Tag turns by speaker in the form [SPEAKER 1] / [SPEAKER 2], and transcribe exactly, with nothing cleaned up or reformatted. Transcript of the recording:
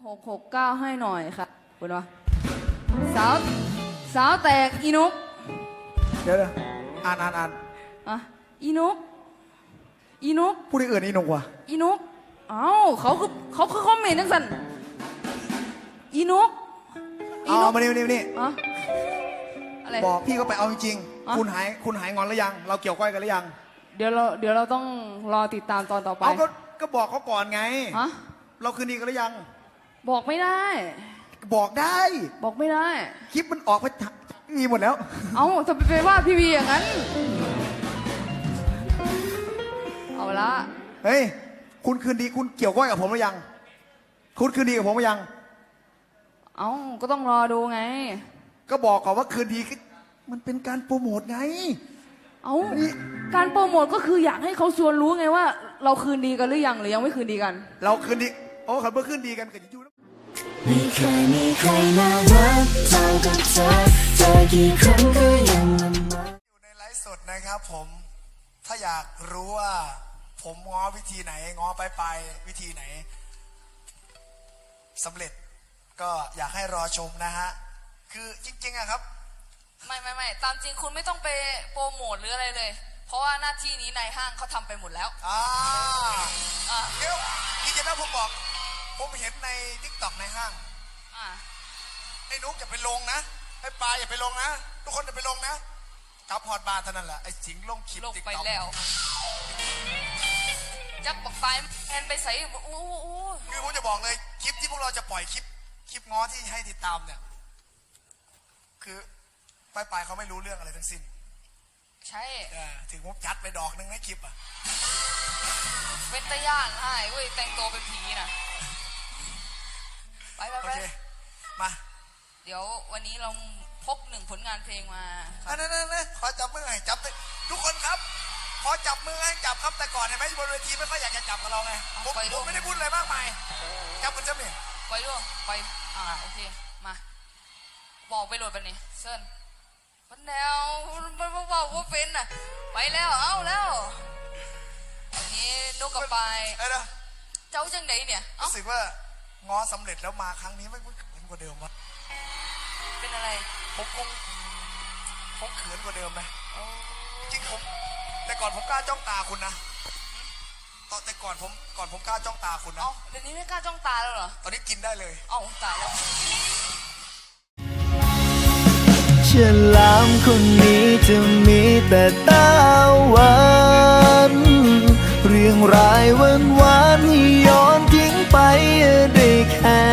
[SPEAKER 1] หกหกเก้าให้หน่อยค่ะคุณวะสาวสาวแตกอีนุก
[SPEAKER 2] เดี๋ยวเดี๋ยวอ่านอ่านอ่าน
[SPEAKER 1] อ่ะอีนุกอีนุก
[SPEAKER 2] ผู้ที่อื่นอีนุกวะ
[SPEAKER 1] อีนุกเอ้าเขาคือเขาคือคอมเมนต์จังสันอีนุก
[SPEAKER 2] เอามานี่มานี่มานี่
[SPEAKER 1] อะอะไร
[SPEAKER 2] บอกพี่ก็ไปเอาจริงๆคุณหายคุณหายงอนหรือยังเราเกี่ยวก้อยกันหรือยัง
[SPEAKER 1] เดี๋ยวเราเดี๋ยวเราต้องรอติดตามตอนต่อไป
[SPEAKER 2] เอาก็ก็บอกเขาก่อนไง
[SPEAKER 1] ฮะ
[SPEAKER 2] เราคืนดีกันหรือยัง
[SPEAKER 1] บอกไม่ได้
[SPEAKER 2] บอกได้
[SPEAKER 1] บอกไม่ได้
[SPEAKER 2] คลิปมันออกไปมีหมดแล้ว
[SPEAKER 1] เอาจะไปว่าพี่วีอย่างนั้นเอาละ
[SPEAKER 2] เฮ้ยคุณคืนดีคุณเกี่ยวก้อยกับผมหรือยังคุณคืนดีกับผมหรือยัง
[SPEAKER 1] เอาก็ต้องรอดูไง
[SPEAKER 2] ก็บอกก่อนว่าคืนดีมันเป็นการโปรโมทไง
[SPEAKER 1] เอาการโปรโมทก็คืออยากให้เขาชวนรู้ไงว่าเราคืนดีกันหรือยังหรือยังไม่คืนดีกัน
[SPEAKER 2] เราคืนดีโอ้ขันเมื่อคืนดีกันกันอยู่
[SPEAKER 3] ไม่เคยมีใครน่ารักเท่ากับเธอเจอกี่ครั้งก็ยังละเมอ
[SPEAKER 2] อยู่ในไลฟ์สดนะครับผมถ้าอยากรู้ว่าผมง้อวิธีไหนง้อไปไปวิธีไหนสำเร็จก็อยากให้รอชมนะฮะคือจริงๆอะครับ
[SPEAKER 1] ไม่ไม่ไม่ตามจริงคุณไม่ต้องไปโปรโมทหรืออะไรเลยเพราะว่าหน้าที่นี้นายห้างเขาทำไปหมดแล้ว
[SPEAKER 2] อ่าเดี๋ยวพี่จะนะผมบอกผมเห็นในทิกตอกในห้างไอ้นุ๊กอย่าไปลงนะไอ้ปลาอย่าไปลงนะทุกคนอย่าไปลงนะจับพอดบาร์เท่านั้นแหละไอ้สิงลงคลิป
[SPEAKER 1] ลง
[SPEAKER 2] ติ๊ก
[SPEAKER 1] ไป
[SPEAKER 2] ต็อก
[SPEAKER 1] แล้วจับปักไฟแอนไปใส่โอ้โห
[SPEAKER 2] คือผมจะบอกเลยคลิปที่พวกเราจะปล่อยคลิปคลิปง้อที่ให้ติดตามเนี่ยคือปลายปลายเขาไม่รู้เรื่องอะไรทั้งสิ้น
[SPEAKER 1] ใช่
[SPEAKER 2] ถึงผมยัดไปดอกนึงในคลิปอ่ะ
[SPEAKER 1] เป็นตะย่านให้เว้ยแต่งตัวเป็นผีนะไปไปไป
[SPEAKER 2] มา
[SPEAKER 1] เดี๋ยววันนี้เราพกหนึ่งผลงานเพลงมา
[SPEAKER 2] อันนั้นนะขอจับมือให้จับทุกคนครับขอจับมือให้จับครับแต่ก่อนเห็นไหมบนเวทีไม่ค่อยอยากจะจับกับเราไงผมผมไม่ได้พูดอะไรมากมายจับกันจับเนี่ย
[SPEAKER 1] ไปด้วยไปอ่าโอเคมาบอกไปโหลดไปนี่เซิร์นมันแนวมันบอกว่าเป็นอ่ะไปแล้วเอาแล้วอันนี้นุกกับไปเจ้าจังไหนเนี่ย
[SPEAKER 2] รู้สึกว่าง้อสำเร็จแล้วมาครั้งนี้ไม่เหมือนกว่าเดิมวะ
[SPEAKER 1] เป็นอะไร
[SPEAKER 2] ผมคงผมเขินกว่าเดิมไหมจริงผมแต่ก่อนผมกล้าจ้องตาคุณนะตอนแต่ก่อนผมก่อนผมกล้าจ้องตาคุณนะ
[SPEAKER 1] อ๋อเดี๋ยวนี้ไม่กล้าจ้องตาแล้วเหรอ
[SPEAKER 2] ตอนนี้กินได้เลย
[SPEAKER 1] อ๋อตายแล้ว
[SPEAKER 3] ฉลามคนนี้จะมีแต่ตาหวานเรื่องรายวันวานให้ย้อนทิ้งไปได้แค่